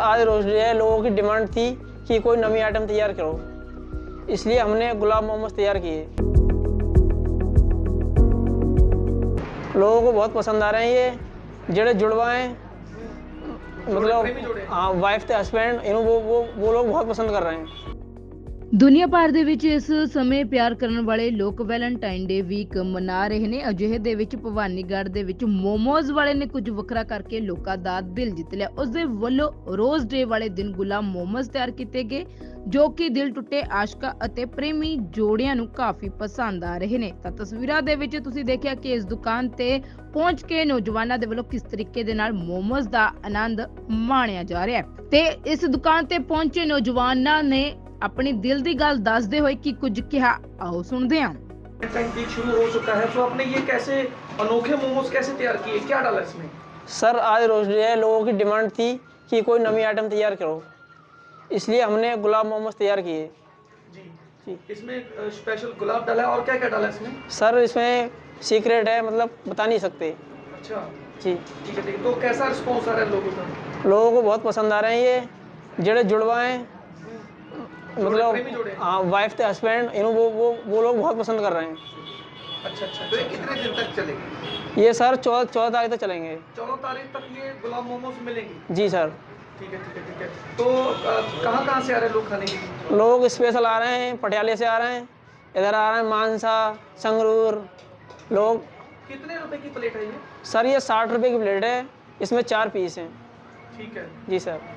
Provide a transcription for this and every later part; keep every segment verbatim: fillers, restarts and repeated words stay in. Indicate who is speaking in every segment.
Speaker 1: आज rose day है, लोगों की डिमांड थी कि कोई नवी आइटम तैयार करो, इसलिए हमने गुलाब मोमोज तैयार किए। लोगों को बहुत पसंद आ रहे हैं ये जेड़े जुड़वाएं, मतलब हाँ वाइफ ਤੇ ਹਸਬੈਂਡ ਇਹਨੂੰ वो वो वो लोग बहुत पसंद कर रहे हैं।
Speaker 2: ਦੁਨੀਆ ਭਰ ਦੇ ਵਿੱਚ ਇਸ ਸਮੇਂ ਪਿਆਰ ਕਰਨ ਵਾਲੇ ਲੋਕ ਵੈਲੈਂਟਾਈਨ ਡੇ ਵੀਕ ਮਨਾ ਰਹੇ ਨੇ। ਅਜਿਹੇ ਦੇ ਵਿੱਚ ਭਵਾਨੀਗੜ੍ਹ ਦੇ ਵਿੱਚ ਮੋਮੋਜ਼ ਵਾਲੇ ਨੇ ਕੁਝ ਵੱਖਰਾ ਕਰਕੇ ਲੋਕਾਂ ਦਾ ਦਿਲ ਜਿੱਤ ਲਿਆ। ਉਸ ਦੇ ਵੱਲੋਂ ਰੋਜ਼ ਡੇ ਵਾਲੇ ਦਿਨ ਗੁਲਾਬ ਮੋਮੋਜ਼ ਤਿਆਰ ਕੀਤੇ ਗਏ, ਜੋ ਕਿ ਦਿਲ ਟੁੱਟੇ ਆਸ਼ਕਾਂ ਅਤੇ ਪ੍ਰੇਮੀ ਜੋੜਿਆਂ ਨੂੰ ਕਾਫੀ ਪਸੰਦ ਆ ਰਹੇ ਨੇ। ਤਾਂ ਤਸਵੀਰਾਂ ਦੇ ਵਿੱਚ ਤੁਸੀਂ ਦੇਖਿਆ ਕਿ ਇਸ ਦੁਕਾਨ ਤੇ ਪਹੁੰਚ ਕੇ ਨੌਜਵਾਨਾਂ ਦੇ ਵੱਲੋਂ ਕਿਸ ਤਰੀਕੇ ਦੇ ਨਾਲ ਮੋਮੋਜ਼ ਦਾ ਆਨੰਦ ਮਾਣਿਆ ਜਾ ਰਿਹਾ ਹੈ। ਤੇ ਇਸ ਦੁਕਾਨ ਤੇ ਪਹੁੰਚੇ ਨੌਜਵਾਨਾਂ ਨੇ अपनी दिल की गल दसदे हुए कि कुछ कहा, आओ सुनते हैं।
Speaker 3: वीक शुरू हो चुका है, तो आपने ये कैसे अनोखे मोमोज कैसे तैयार किए, क्या डाला इसमें?
Speaker 1: सर आज रोज डे है, लोगों की डिमांड थी कि कोई नवी आइटम तैयार करो, इसलिए हमने गुलाब मोमोज तैयार किए।
Speaker 3: जी जी इसमें स्पेशल गुलाब डाला है, और क्या क्या डाला है इसमें?
Speaker 1: सर इसमें सीक्रेट है, मतलब बता नहीं सकते।
Speaker 3: अच्छा
Speaker 1: जी
Speaker 3: ठीक है ठीक है। तो कैसा रिस्पॉन्स आ रहा है लोगों का?
Speaker 1: लोगों को बहुत पसंद आ रहे हैं ये जेड़े जुड़वाएं, मतलब हाँ वाइफ ਤੇ हस्बैंड ਇਹਨੂੰ वो वो वो लोग बहुत पसंद कर रहे हैं।
Speaker 3: अच्छा अच्छा। तो ये कितने दिन तक चलेगी?
Speaker 1: ये सर चौदह चौदह तारीख तक चलेंगे।
Speaker 3: चौदह तारीख तक ये गुलाब मोमोज मिलेंगे?
Speaker 1: जी सर।
Speaker 3: ठीक है ठीक है ठीक है। तो कहाँ कहाँ से आ रहे हैं लोग खाने के लिए?
Speaker 1: लोग स्पेशल आ रहे हैं, पटियाले से आ रहे हैं, इधर आ रहे हैं मानसा, संगरूर लोग।
Speaker 3: कितने रुपए की प्लेट है ये?
Speaker 1: सर ये साठ रुपए की प्लेट है, इसमें चार पीस हैं।
Speaker 3: ठीक है
Speaker 1: जी सर।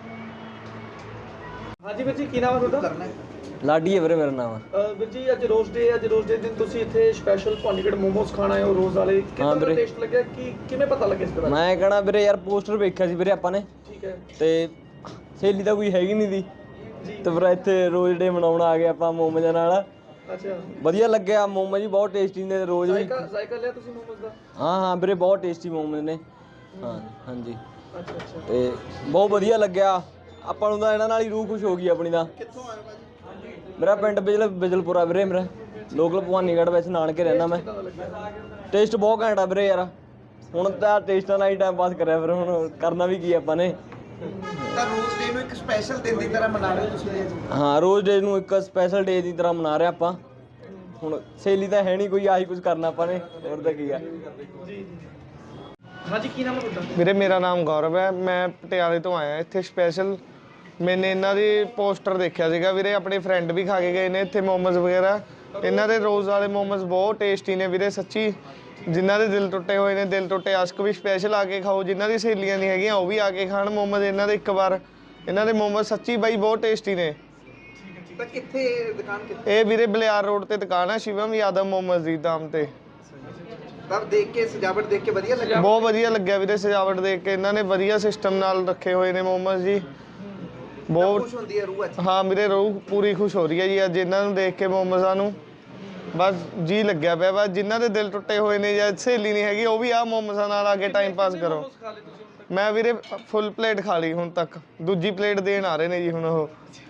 Speaker 3: हाँ जी ਵੀਰ ਜੀ, ਕੀ ਨਾਮ ਹੈ ਤੁਹਾਡਾ?
Speaker 4: ਲਾਡੀ ਹੈ ਵੀਰੇ ਮੇਰਾ ਨਾਮ।
Speaker 3: ਅਹ ਵੀਰ ਜੀ ਅੱਜ ਰੋਜ਼ ਡੇ ਅੱਜ ਰੋਜ਼ ਡੇ ਦਿਨ ਤੁਸੀਂ ਇੱਥੇ ਸਪੈਸ਼ਲ ਭਵਾਨੀਗੜ੍ਹ ਮੋਮੋਸ ਖਾਣ ਆਏ ਹੋ ਰੋਜ਼ ਵਾਲੇ, ਕਿੰਨਾ ਦਾ
Speaker 4: ਵੀਰੇ।
Speaker 3: ਟੇਸਟ ਲੱਗਿਆ, ਕੀ ਕਿਵੇਂ ਪਤਾ ਲੱਗਿਆ ਇਸ ਤਰ੍ਹਾਂ?
Speaker 4: ਮੈਂ ਕਹਣਾ ਵੀਰੇ ਯਾਰ ਪੋਸਟਰ ਵੇਖਿਆ ਸੀ ਵੀਰੇ ਆਪਾਂ ਨੇ,
Speaker 3: ਠੀਕ ਹੈ
Speaker 4: ਤੇ ਸਹੇਲੀ ਤਾਂ ਕੋਈ ਹੈਗੀ ਨਹੀਂ ਦੀ,
Speaker 3: ਜੀ।
Speaker 4: ਤੇ ਫਿਰ ਇੱਥੇ ਰੋਜ਼ ਡੇ ਮਨਾਉਣ ਆ ਗਏ ਆਪਾਂ ਮੋਮੋਜ਼ਾਂ ਨਾਲ।
Speaker 3: ਅੱਛਾ
Speaker 4: ਵਧੀਆ ਲੱਗਿਆ, ਮੋਮੋਜ਼ ਵੀ ਬਹੁਤ ਟੇਸਟੀ ਨੇ ਰੋਜ਼ ਵੀ।
Speaker 3: ਜ਼ਾਇਕਾ ਜ਼ਾਇਕਾ ਲਿਆ ਤੁਸੀਂ ਮੋਮੋਸ ਦਾ?
Speaker 4: ਹਾਂ ਹਾਂ ਵੀਰੇ ਬਹੁਤ ਟੇਸਟੀ ਮੋਮੋਜ਼ ਨੇ। ਹਾਂ ਹਾਂਜੀ
Speaker 3: ਅੱਛਾ ਅੱਛਾ।
Speaker 4: ਤੇ ਬਹੁਤ ਵਧੀਆ ਲੱਗਿਆ ਆਪਾਂ ਨੂੰ ਤਾਂ, ਇਹਨਾਂ ਨਾਲ ਹੀ ਰੂਹ ਖੁਸ਼ ਹੋ ਗਈ ਆਪਣੀ ਦਾ।
Speaker 3: ਕਿੱਥੋਂ ਆਏ ਭਾਜੀ?
Speaker 4: ਮੇਰਾ ਪਿੰਡ ਬਿਜਲ ਬਿਜਲਪੁਰਾ ਵੀਰੇ, ਮੇਰਾ ਲੋਕਲ ਭਵਾਨੀਗੜ੍ਹ ਵਿੱਚ ਨਾਨਕੇ ਰਹਿਣਾ ਮੈਂ। ਟੇਸਟ ਬਹੁਤ ਘੈਂਟ ਆ ਵੀਰੇ ਯਾਰ, ਹੁਣ ਤਾਂ ਟੇਸਟਾਂ ਨਾਲ ਹੀ ਟਾਈਮ ਪਾਸ ਕਰਿਆ, ਫਿਰ ਹੁਣ ਕਰਨਾ ਵੀ ਕੀ ਆਪਾਂ ਨੇ।
Speaker 5: ਤਾਂ ਰੋਜ਼ ਡੇ ਨੂੰ ਇੱਕ ਸਪੈਸ਼ਲ ਦਿਨ ਦੀ ਤਰ੍ਹਾਂ ਮਨਾ ਰਹੇ ਹੋ ਤੁਸੀਂ ਅੱਜ?
Speaker 4: ਹਾਂ ਰੋਜ਼ ਡੇ ਨੂੰ ਇੱਕ ਸਪੈਸ਼ਲ ਡੇ ਦੀ ਤਰ੍ਹਾਂ ਮਨਾ ਰਹੇ ਆਪਾਂ। ਹੁਣ ਸਹੇਲੀ ਤਾਂ ਹੈ ਨਹੀਂ ਕੋਈ, ਆਹੀ ਕੁਝ ਕਰਨਾ ਆਪਾਂ ਨੇ, ਹੋਰ ਤਾਂ ਕੀ ਆ।
Speaker 3: ਜੀ हाँ जी, ਕੀ ਨਾਮ ਹੈ ਤੁਹਾਡਾ?
Speaker 6: ਵੀਰੇ ਮੇਰਾ ਨਾਮ ਗੌਰਵ ਹੈ, ਮੈਂ ਪਟਿਆਲੇ ਤੋਂ ਆਇਆ ਇੱਥੇ ਸਪੈਸ਼ਲ। ਮੈਨੇ ਇਹਨਾਂ ਦੀ ਪੋਸਟਰ ਦੇਖਿਆ ਸੀਗਾ ਵੀਰੇ, ਆਪਣੇ ਫਰੈਂਡ ਵੀ ਖਾ ਕੇ ਗਏ ਨੇ ਇੱਥੇ ਮੋਮੋਜ਼ ਵਗੈਰਾ। ਇਹਨਾਂ ਦੇ ਰੋਜ਼ ਵਾਲੇ ਮੋਮੋਜ਼ ਬਹੁਤ ਟੇਸਟੀ ਨੇ ਵੀਰੇ ਸੱਚੀ। ਜਿਨ੍ਹਾਂ ਦੇ ਦਿਲ ਟੁੱਟੇ ਹੋਏ ਨੇ, ਦਿਲ ਟੁੱਟੇ ਆਸ਼ਕ ਵੀ ਸਪੈਸ਼ਲ ਆ ਕੇ ਖਾਓ, ਜਿਨ੍ਹਾਂ ਦੀ ਸਹੇਲੀਆਂ ਨਹੀਂ ਹੈਗੀਆਂ ਉਹ ਵੀ ਆ ਕੇ ਖਾਣ ਮੋਮੋਜ਼ ਇਹਨਾਂ ਦੇ ਇੱਕ ਵਾਰ। ਇਹਨਾਂ ਦੇ ਮੋਮੋਜ਼ ਸੱਚੀ ਬਾਈ ਬਹੁਤ ਟੇਸਟੀ ਨੇ।
Speaker 5: ਤਾਂ ਕਿੱਥੇ ਦੁਕਾਨ ਕਿੱਥੇ?
Speaker 6: ਇਹ ਵੀਰੇ ਬਲਿਆਰ ਰੋਡ ਤੇ ਦੁਕਾਨ ਹੈ, ਸ਼ਿਵਮ ਯਾਦਵ ਮੋਮੋਜ਼ ਦੀ ਨਾਮ ਤੇ।
Speaker 5: ਤਾਂ ਦੇਖ ਕੇ ਸਜਾਵਟ ਦੇਖ ਕੇ ਵਧੀਆ ਲੱਗਾ?
Speaker 6: ਬਹੁਤ ਵਧੀਆ ਲੱਗਿਆ ਵੀਰੇ ਸਜਾਵਟ ਦੇਖ ਕੇ, ਇਹਨਾਂ ਨੇ ਵਧੀਆ ਸਿਸਟਮ ਨਾਲ ਰੱਖੇ ਹੋਏ ਨੇ ਮੋਮੋਜ਼ ਜੀ। ਬਹੁਤ
Speaker 5: ਖੁਸ਼ ਹੁੰਦੀ ਹੈ ਰੂਹ ਅੱਜ?
Speaker 6: ਹਾਂ ਮੇਰੇ ਰੂਹ ਪੂਰੀ ਖੁਸ਼ ਹੋ ਰਹੀ ਹੈ ਜੀ ਅੱਜ ਇਹਨਾਂ ਨੂੰ ਦੇਖ ਕੇ, ਮੋਮੋਜ਼ਾਂ ਨੂੰ। ਬਸ ਜੀ ਲੱਗਿਆ ਪਿਆ, ਬਸ ਜਿਨ੍ਹਾਂ ਦੇ ਦਿਲ ਟੁੱਟੇ ਹੋਏ ਨੇ ਜਾਂ ਸਹੇਲੀ ਨਹੀਂ ਹੈਗੀ ਉਹ ਵੀ ਆਹ ਮੋਮੋਜ਼ਾਂ ਨਾਲ ਆ ਕੇ ਟਾਈਮ ਪਾਸ ਕਰੋ। ਮੈਂ ਵੀਰੇ ਫੁੱਲ ਪਲੇਟ ਖਾ ਲਈ ਹੁਣ ਤੱਕ, ਦੂਜੀ ਪਲੇਟ ਦੇਣ ਆ ਰਹੇ ਨੇ ਜੀ ਹੁਣ ਉਹ।